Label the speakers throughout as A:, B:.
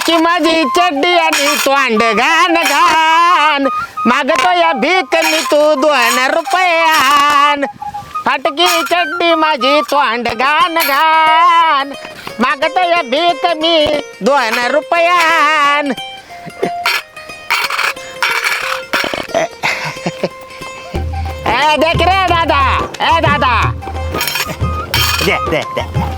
A: फाटकी माझी चड्डी आणि तोंड घाण घाण मागतो या भीक मी तू 2 रुपयान फाटकी चड्डी माझी तोंड घाण घाण मागतो या भीक मी 2 रुपयान देख रे दादा दादा दे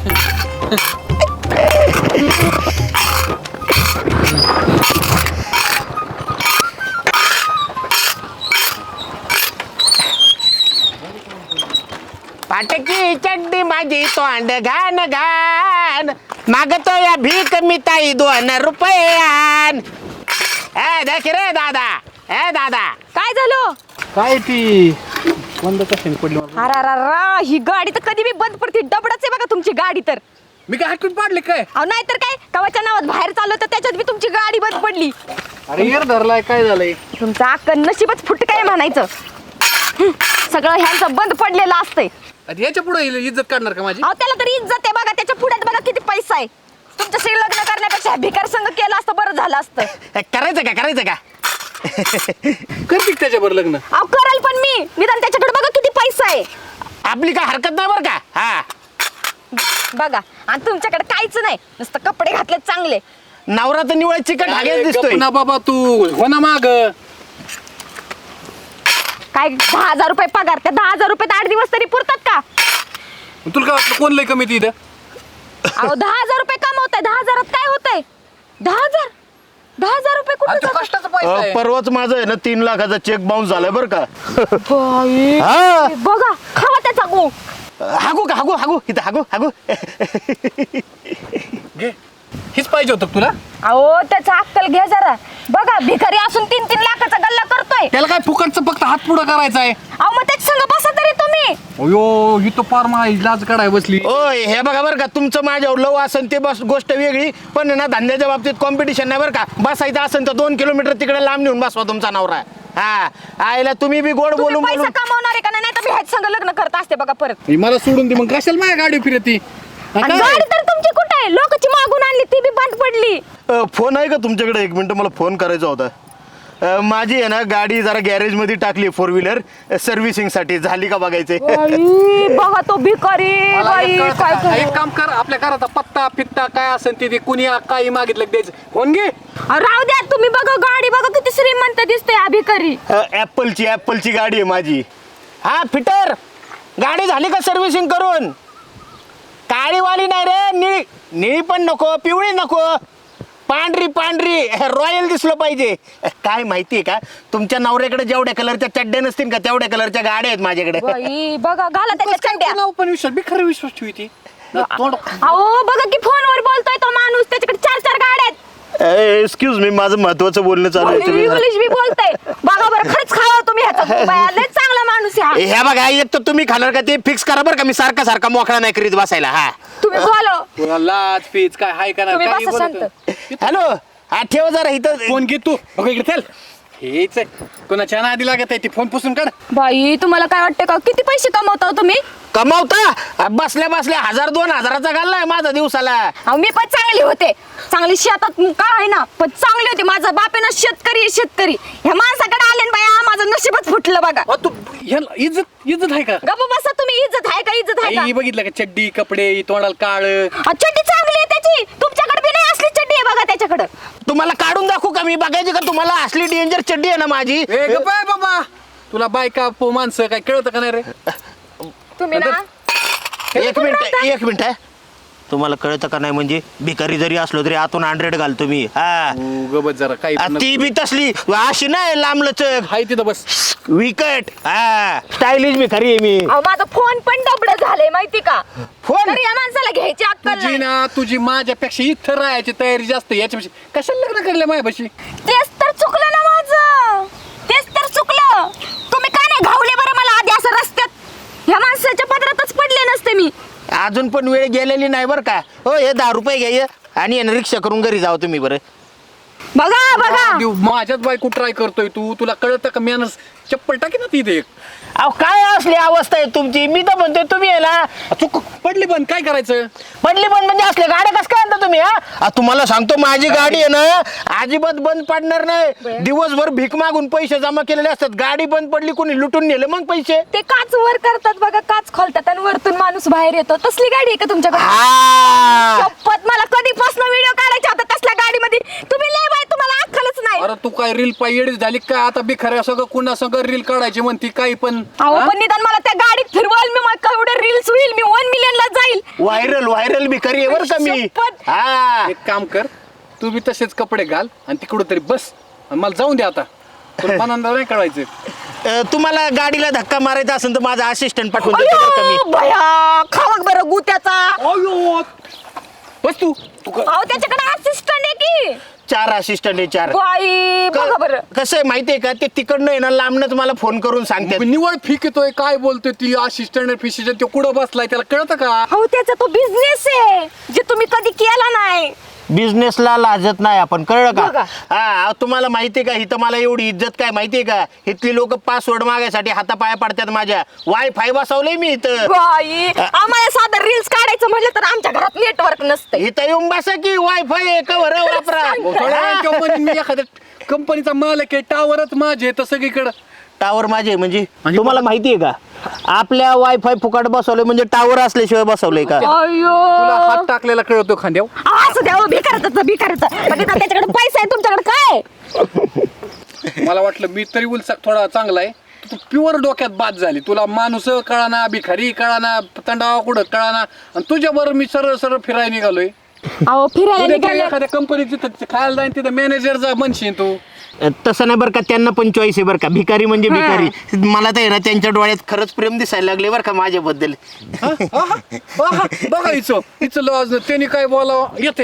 A: फाटकी चड्डी माझी तोंड घाण घाण मागतो या भीक मी ताई 2 रुपयान देख रे दादा दादा
B: काय झालं?
C: काय ती बंद कशाने पडली
B: अरा ही गाडी तर कधी बी बंद पडते. डबडच आहे बघा तुमची गाडी तर.
C: मी काय हाकून पाडले काय?
B: अहो नाही तर काय कवाच्या नावात बाहेर चाललो तर त्याच्यात बी तुमची गाडी बंद पडली.
C: अरे यार धरलाय काय झालंय?
B: तुमचं अक्कल नशीबच फुट काय म्हणायचं. सगळं ह्यांचं बंद पडलेलं असतंय.
C: आता याच्या पुढे इज्जत काढणार का माझी?
B: अहो त्याला तरी इज्जत आहे बघा. त्याच्या पुढ्यात बघा किती पैसा आहे. तुमच्याशी लग्न करण्यापेक्षा भिकार संघ केलं असतं बरं झालं असतं.
A: करायचं का
C: करते त्याच्यावर लग्न?
B: अहो कराल पण मी निदान त्याच्याकडे बघा किती पैसा आहे.
A: आपली काय हरकत नाही बरं का हा
B: बघा आणि तुमच्याकडे काहीच नाही नुसतं कपडे घातले चांगले.
A: नवरा तर निवळ चिकट हागेच
C: अरे
A: दिसतोय
C: गप ना बाबा तू हो ना माग.
B: काय 10,000 रुपये पगार. त्या 10,000 रुपयात 8 दिवस तरी पुरतात का?
C: तुला काय वाटलं कोण लय कमी ती इथं?
B: अहो 10,000 रुपये कमवताय. 10,000 काय होतंय? 10,000 रुपये कुठे
C: आणि तो कष्टाचा पैसा आहे.
A: परवाच माझं आहे ना 3 लाखाचा चेक बाउन्स झालाय बरं का
B: जातात? बघा खावा त्याचा गो.
A: हागू इथं हागू
C: घे. हीच पाहिजे होतं का तुला?
B: अहो त्याचा अक्कल घ्या जरा. बघा भिकारी असून 3-3 लाखाचा गल्ला करतोय.
C: त्याला काय फुकटचं फक्त हात पुढं करायचा आहे?
B: अहो मग त्याच संग बसा तरी तुम्ही.
C: अयो ही तो फार माझी लाज काढाय बसली.
A: ओय हे बघा बरं का तुमचं माझ्यावर लव असेल ते बस गोष्ट वेगळी पण ना धंद्याच्या बाबतीत कॉम्पिटिशन नाही बरं का. बसायचं असेल तर 2 किलोमीटर तिकडे लांब नेऊन बसवा तुमचा नवरा. हा आईला तुम्ही बी गोड
B: तुम्ही
A: बोलून
B: पैसा
A: बोलून
B: कमावणार आहे का नाही तर मी ह्याच संग लग्न करत असते बघा परत.
C: ही मला सोडून दे मग कशाला माझ्या गाडी फिरती?
B: आणि गाडी तर तुमची कुठे आहे? लोकांची मागून आणली ती बी बंद पडली.
A: फोन आहे का तुमच्याकडे? 1 मिनिट मला फोन करायचा होता. माझी आहे ना गाडी जरा गॅरेज मध्ये टाकली 4 व्हीलर सर्व्हिसिंग साठी. झाली का बघायचंय?
B: बघा तो भिकारी बाई काय
C: एक काम कर आपल्या घराचा पत्ता फित्ता काय असेल ते कुणी काही मागितलं की द्यायचं. फोन घे.
B: राहू द्या तुम्ही. बघा गाडी बघा किती श्रीमंत दिसते हा भिकारी.
A: ऍपलची गाडी आहे माझी. हा फिटर गाडी झाली का सर्व्हिसिंग करून? काळीवाली नाही रे. निळी पण नको पिवळी नको पांढरी रॉयल दिसलं पाहिजे. काय माहितीये का तुमच्या नवऱ्याकडे जेवढ्या कलरच्या चड्ड्या नसतील का तेवढ्या कलरच्या गाड्या आहेत माझ्याकडे.
B: बाई बघा घाला त्याच्या चड्ड्या.
C: नाव पण विश्वास मी खरं विश्वास ठेवते.
B: अहो बघा की फोनवर बोलतोय तो माणूस. त्याच्याकडे 4 गाड्या आहेत.
A: एक्सक्यूज मी माझं महत्वाचं बोलणं चालू आहे.
B: इंग्लिश बी बोलतोय. बघा बरं खरंच खावा तुम्ही ह्याचा. लय चांगला माणूस आहे हा.
A: ह्या बघा एक तर तुम्ही खाणार का ते फिक्स करा बरं का. मी सारखा मोकळा नाही करीत बसायला. हा
B: तुम्ही बोलो.
C: तुला लाज पीच काय हाय का
B: तुम्ही
C: नाही?
B: बसा शांत.
A: हॅलो हा ठेव जरा इथं.
C: फोन घे तू. बघ इकडे चल. हेच आहे कोणाच्या नादी लागत आहे ती. फोन पुसून काढ.
B: बाई तुम्हाला काय वाटतं का किती पैसे कमवता हो तुम्ही?
A: कमावता बसल्या 1000-2000चा घाललाय माझा दिवसाला.
B: अहो मी पण चांगली होते. चांगली शेतात काय आहे ना पण चांगली होती. माझा बाप आहे ना शेतकरी. ह्या माणसाकडे आले ना बाया माझं नशीबच फुटलं बघा.
C: तू ह्याला इज्जत आहे का?
B: गप्प बसा तुम्ही. इज्जत आहे का?
C: आई बघितलं का चड्डी कपडे तोंडाला काळ.
B: चड्डी चांगली आहे त्याची. तुमच्याकडे बी नाही असली चड्डी आहे बघा त्याच्याकडे.
A: तुम्हाला काढून दाखवू का मी? बघायची का तुम्हाला? असली डेंजर चड्डी आहे ना माझी.
C: ए गप्प आहे बाबा. तुला बायका माणसं काय कळतं का नाही रे?
B: तुम्ही ना
A: एक मिनिट आहे. तुम्हाला कळतं का नाही म्हणजे भिकारी जरी असलो तरी आतून 100 घालतो मी. हा
C: गबत जरा काही
A: ती बी तसली अशी नाही लांबलचक
C: हाय तिथं बस.
A: विकट. हा स्टायलिश भिकारी आहे मी.
B: अहो माझा फोन पण डबड झालंय माहिती का?
A: फोन
B: तर या माणसाला घ्यायची अक्कल
C: तुझी
B: नाही.
C: ना तुझी माझ्यापेक्षा इथं राहायची तयारी जास्त. याच्यापेक्षा कशाला लग्न करले माझ्यापाशी?
B: तेच तर चुकलं ना माझं. तेच तर चुकलं. तुम्ही का नाही घावले बरं मला आधी असं रस्त्यात? ह्या माणसाच्या पदरातच पडले नसते मी.
A: अजून पण वेळ गेलेली नाही बरं का. हो हे 10 रुपये घ्या आणि रिक्षा करून घरी जाऊ तुम्ही बरं.
B: बघा बघा
C: माझ्याच बायको ट्राय करतोय तू, तुला कळतं का मॅनर्स? चप्पल टाकी ना तिथे एक.
A: अहो काय असली अवस्था आहे तुमची? मी तर म्हणतोय तुम्ही याला
C: चूक पडली पण काय करायचं?
A: पडली पण म्हणजे असले गाड्या कसं काय आणता तुम्ही? हा तुम्हाला सांगतो माझी गाडी आहे ना अजिबात बंद पडणार नाही. दिवसभर भीक मागून पैसे जमा केलेले असतात. गाडी बंद पडली कोणी लुटून नेले मग पैसे.
B: ते काच वर करतात बघा, काच खोलतात आणि वरतून माणूस बाहेर येतो. तसली गाडी आहे का तुमच्याकडे?
A: हा
B: शपथ मला कधीपासून व्हिडिओ काढायचा होता तसल्या गाडीमध्ये. तुम्ही लय बाय, तुम्हाला अक्कलच नाही.
C: अरे तू काय रील पायडी झाली काय? आता बिखऱ्या सगळं कुणा सगळं रील काढायची म्हणती काही पण.
B: अहो
C: हा?
B: पण निदान मला त्या गाडीत फिरवाल, मी मग केवढे रील्स होईल, मी 1 million ला जाईल.
A: व्हायरल बी करी बर का मी.
B: शपथ.
A: हा
C: एक काम कर, तू बी तसेच कपडे घाल आणि तिकडं तरी बस आणि मला जाऊन दे आता. तुला मनांना नाही कळायचं.
A: तुम्हाला गाडीला धक्का मारायचा असेल तर माझा असिस्टंट पाठवून देतो बरं का मी.
B: अयो, भया खावक बरं गुत्याचा.
C: अयो बस तू
B: अहो त्याच्याकडे असिस्टंट आहे की.
A: 4 असिस्टंट आहे 4.
B: बाई बघा बरं.
A: कसं आहे माहितीये का ते तिकडनं येणार लांबनच मला फोन करून सांगते.
C: निवड फिक येतोय काय बोलतोय ती असिस्टंट फिशिस्टंट ते कुठं बसलाय त्याला कळतं का?
B: अहो त्याचा तो बिझनेस आहे जे तुम्ही कधी केला नाही.
A: बिझनेसला लाजत नाही आपण, कळलं
B: बघा.
A: का? हा तुम्हाला माहितीये का इथं मला एवढी इज्जत काय माहितीये का? इथली लोक पासवर्ड मागायसाठी हातापाया पडतात माझ्या. वायफाय बसवलंय मी इथं.
B: बाई आम्हाला साधं रील्स काढायचं म्हटलं तर आमच्या घरात नेटवर्क नसतं.
A: इथं येऊन बसा की वायफाय कवर वापरा.
C: मी एखाद्या कंपनीचा मालक आहे, टावरच माझे आहे तर सगळीकडं.
A: टावर माझे म्हणजे
C: म्हणजे
A: तुम्हाला माहितीये का आपल्या वायफाय फुकट बसवलंय म्हणजे टावर असल्याशिवाय बसवलंय का?
C: तुला हात
B: अयो
C: टाकलेला कळतो खांद्यावर.
B: असं द्या भिकाराचं पण निदान त्याच्याकडे पैसा आहे, तुमच्याकडे काय?
C: मला वाटलं मी तरी उलसा थोडा चांगला आहे. तू प्युअर डोक्यात बाद झाली. तुला माणूस कळाना, भिखारी कळाना, तंडावा कुठं कळाना आणि तुझ्याबरोबर मी सरळ सरळ फिरायला निघालोय.
B: अहो फिरायला
C: उद्या
B: निघाले.
C: एखाद्या कंपनीत तिथं खायला जाईन तिथं मॅनेजरचा म्हणशील तू.
A: तसं नाही बरं का, त्यांना पण चॉईस आहे बरं का. भिकारी म्हणजे भिकारी. मला तर आहे ना त्यांच्या डोळ्यात खरंच प्रेम दिसायला लागले बरं का माझ्याबद्दल.
C: बघा हिचं लॉज त्यांनी काय बोलावं येते.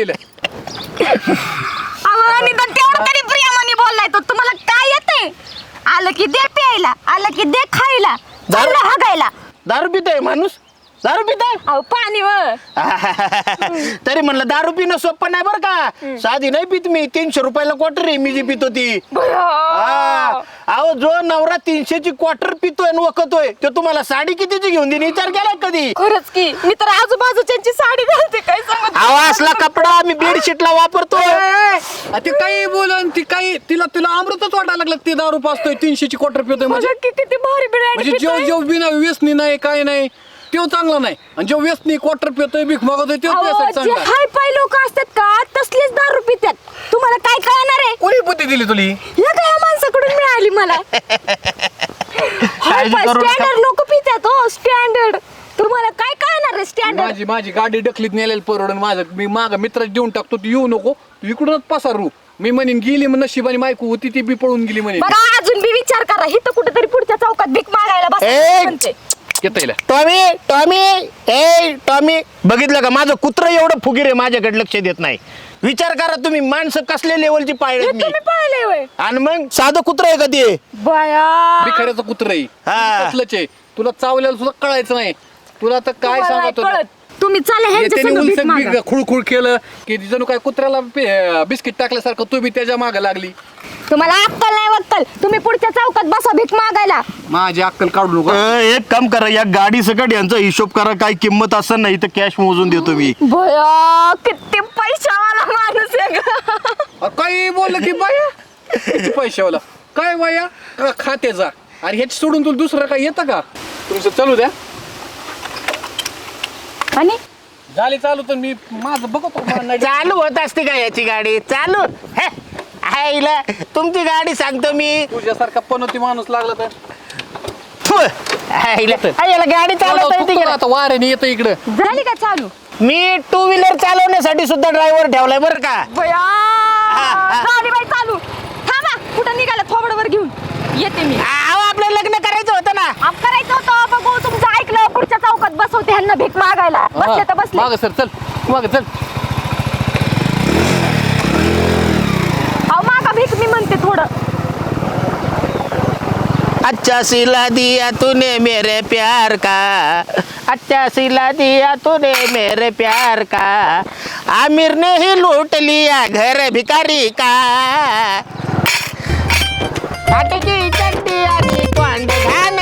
B: अहो निदान तेवढं तरी प्रियामाने बोललाय तो. तुम्हाला काय येते? आलं की दे प्यायला, आलं की दे खायला, चाललं हागायला.
A: दारू पितोय माणूस, दारू पितोय.
B: अहो पाणी व
A: तरी म्हणलं दारू पिणं सोपं नाही बरं का. साधी नाही पित मी. 300 रुपयाला क्वार्टर आहे मी जी पितो ती. हा. अहो जो नवरा 300ची क्वार्टर पितोय आणि वखतोय तो तुम्हाला साडी कितीची घेऊन देईन विचार केला कधी?
B: खरंच की मी तर आजूबाजूच्यांची साडी घालते, काय सांगत.
A: अहो असला कपडा मी बेडशीटला वापरतोय.
C: ती काही बोलन ती काही तिला अमृतच वाटायला लागलं. ते दारू पाचतोय 300ची क्वार्टर पितोय म्हणजे
B: किती भारी
C: म्हणजे
B: बिर्याणी
C: जेव बिना व्यसनी नाही काय नाही तो चांगला नाही. आणि जो व्यसनी क्वार्टर पितोय भीक मागतोय तो
B: जे
C: चांगला.
B: हाय पाय लोक असतात का तसलीच दारू पितात. तुम्हाला काय कळणार आहे?
C: कोणी बुद्धी दिली तुली?
B: या काय या माणसाकडून मिळाली मला. हाय पाय
A: करू नका.
B: स्टँडर्ड लोक पितात हो, स्टँडर्ड. तुम्हाला काय कळणार आहे स्टँडर्ड?
C: माझी गाडी डकलीत नेलेली परवडून माझं मी माग मित्राला देऊन टाकतो. तू येऊ नको, तू इकडूनच पसारू. मी म्हणेन गेली मग नशिबाने मायकू होती ती बी पळून गेली म्हणे.
B: बघा अजून बी विचार करा. इथं कुठेतरी पुढच्या चौकात भीक मागायला
A: ए!
B: बस.
C: येता
A: टॉमी बघितलं का माझं कुत्र एवढं फुगीर आहे माझ्याकडे लक्ष देत नाही. विचार करा तुम्ही माणसं कसल्या लेवलची पाळले मी.
B: तुम्ही पाहिले होय
A: आणि मग साधं कुत्र आहे का ते?
B: बया.
C: भिखाऱ्याचं कुत्र आहे
A: हा.
C: कसलंच आहे. तुला चावल्याला सुद्धा कळायचं नाही. तुला तर काय
B: तुम्हाला नाही
C: सांगतो
B: कळत. तुम्ही चला ह्यांच्या
C: त्याने
B: संग भीक
C: उलसक
B: मागा.
C: खुळखुळ केलं की जणू काय कुत्र्याला बिस्किट टाकल्यासारखं तू बी त्याच्या मागे लागली.
B: तुम्हाला अक्कल नाही वक्कल. तुम्ही पुढच्या चौकात बसा भीक मागायला.
C: माझी अक्कल काढू नको.
A: एक काम करा या गाडी सकट यांचा हिशोब करा. काय किंमत असं नाही तर कॅश मोजून देतो मी.
B: भया किती पैशावाला माणूस आहे ग.
C: काही बोललं की बाया किती पैशावाला काय बाया खात्याचा. अरे ह्याच सोडून तुला दुसरं काय येतं का? तुमचं चालू द्या.
B: आणि
C: झाली चालू तर मी माझं बघतो.
A: चालू होत असते का याची गाडी चालू? हे, आईला तुमची गाडी सांगतो मी.
C: तुझ्यासारखा पनोती माणूस लागला तर
A: फु, आईला याला गाडी चालवता येते का?
C: आता वाऱ्याने येतं इकडं.
B: झाली का चालू?
A: मी 2 व्हीलर चालवण्यासाठी सुद्धा ड्रायव्हर ठेवलाय बरं का.
B: भया
A: हा.
B: झाली बाई चालू. थांबा कुठं निघाला थोबडवर घेऊन येते मी.
A: अहो आपलं लग्न करायचं होतं ना.
B: आप करायचं होतं बघू तुमचं ऐकलं. पुढच्या चौकात बसवते ह्यांना भीक मागायला. बसले तर बसले.
C: माग सर चल माग चल.
B: अहो मागा भीक मी म्हणते थोडं.
A: अच्छा सिला दिया तूने मेरे प्यार का, अच्छा सिला दिया तूने मेरे प्यार का, आमिर ने ही लूट लिया घर भिखारी का, फाटकी चड्डी आणि कोंडे घाल